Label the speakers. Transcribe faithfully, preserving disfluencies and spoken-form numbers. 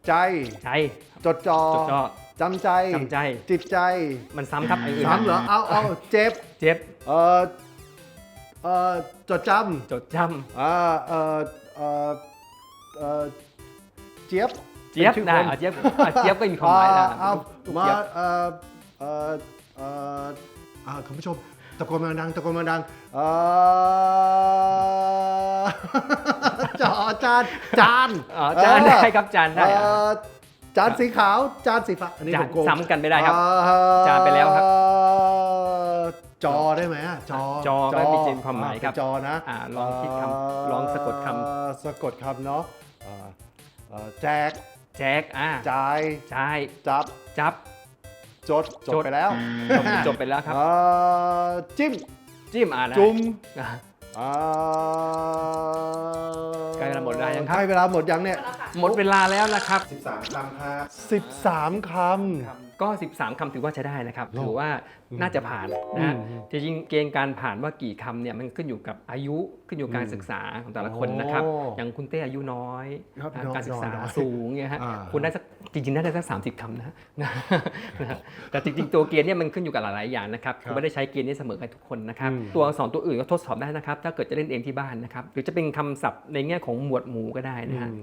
Speaker 1: ใจ
Speaker 2: ใจ
Speaker 1: จดจ่อ
Speaker 2: จดจ่อ
Speaker 1: จำใจ
Speaker 2: จำใจ
Speaker 1: จิตใจ
Speaker 2: มันซ้ำครับไอ้อื่น
Speaker 1: ซ้ำเหรอเอาเอาเจ็บ
Speaker 2: เจ็บ
Speaker 1: เออเออจดจ
Speaker 2: จดจ
Speaker 1: ำอ่าเออเออเออเจี๊ยบ
Speaker 2: ำเจี๊ยบ
Speaker 1: ป็นชื่อ
Speaker 2: ได้
Speaker 1: คน
Speaker 2: เอาเจี๊ยบเอาเจี๊ยบก็มีความหมายนะ
Speaker 1: เอา
Speaker 2: ลูก
Speaker 1: มา
Speaker 2: เจี๊ยบ
Speaker 1: เออเออเอออ่าคุณผู้ชมตะโกนมาดังตะโกนมาดังเออ จอจานจาน
Speaker 2: อ๋อจานได้ครับจานได้
Speaker 1: เอ่
Speaker 2: อ่ะ
Speaker 1: อจานสีขาวจานสีฟ้าอันนี้
Speaker 2: จา
Speaker 1: ผ
Speaker 2: น
Speaker 1: มโกง
Speaker 2: ซ้ำกันไม่ได้ครับ
Speaker 1: อ่
Speaker 2: จานไปแล้วครับ
Speaker 1: จอได้ไหมอะจอ
Speaker 2: จอก็มีความหมายครับ
Speaker 1: เป็นจอนะ
Speaker 2: อ่าลองคิดคำลองสะกดคำ
Speaker 1: เอ่อสะกดคำเนาะเอ่อเอ่อแจก
Speaker 2: แจกอ่า
Speaker 1: จ่าย
Speaker 2: ใช่
Speaker 1: จับ
Speaker 2: จับ
Speaker 1: จดจดไปแล้ว
Speaker 2: จบจบไปแล้วครับ
Speaker 1: เอ่อจิ้ม
Speaker 2: จิ้มอ่าได้
Speaker 1: จุ่ม
Speaker 2: อ่า
Speaker 1: อ่า
Speaker 2: ใกล้เวลาหมดเวลายังครับ
Speaker 1: ใกล้เวลาหมดยังเนี่ย
Speaker 2: หมดเวลาแล้วนะครับ
Speaker 1: สิบสามคำครับสิบสามคำ
Speaker 2: ก็ สิบสาม คำถือว่าใช้ได้นะครับ
Speaker 1: โอ้
Speaker 2: ถือว่าน่าจะผ่านนะฮะ
Speaker 1: อืม
Speaker 2: จริงๆเกณฑ์การผ่านว่ากี่คำเนี่ยมันขึ้นอยู่กับอายุขึ้นอยู่กับการศึกษาของแต่ละคนนะครับ
Speaker 1: โอ้
Speaker 2: อย่างคุณเต้อายุน้อย
Speaker 1: ครับ
Speaker 2: นะ
Speaker 1: น้อย
Speaker 2: การศึกษา
Speaker 1: น้อย
Speaker 2: สูงเนี่ยฮะ
Speaker 1: อ่า
Speaker 2: คุณได้สักจริงๆน่าได้สักสามสิบคำนะนะนะ แต่จริงๆตัวเกณฑ์เนี่ยมันขึ้นอยู่กับหลายๆอย่างนะครับ
Speaker 1: ครับ
Speaker 2: คือไม่ได้ใช้เกณฑ์นี้เสมอกันทุกคนนะครับ
Speaker 1: อืม
Speaker 2: ตัวอักษรตัวอื่นก็ทดสอบได้นะครับถ้าเกิดจะเล่นเองที่บ้านนะครับหรือจะเป็นคำศัพท์ในแง่ของหมวดหมู่ก็ได้นะฮะ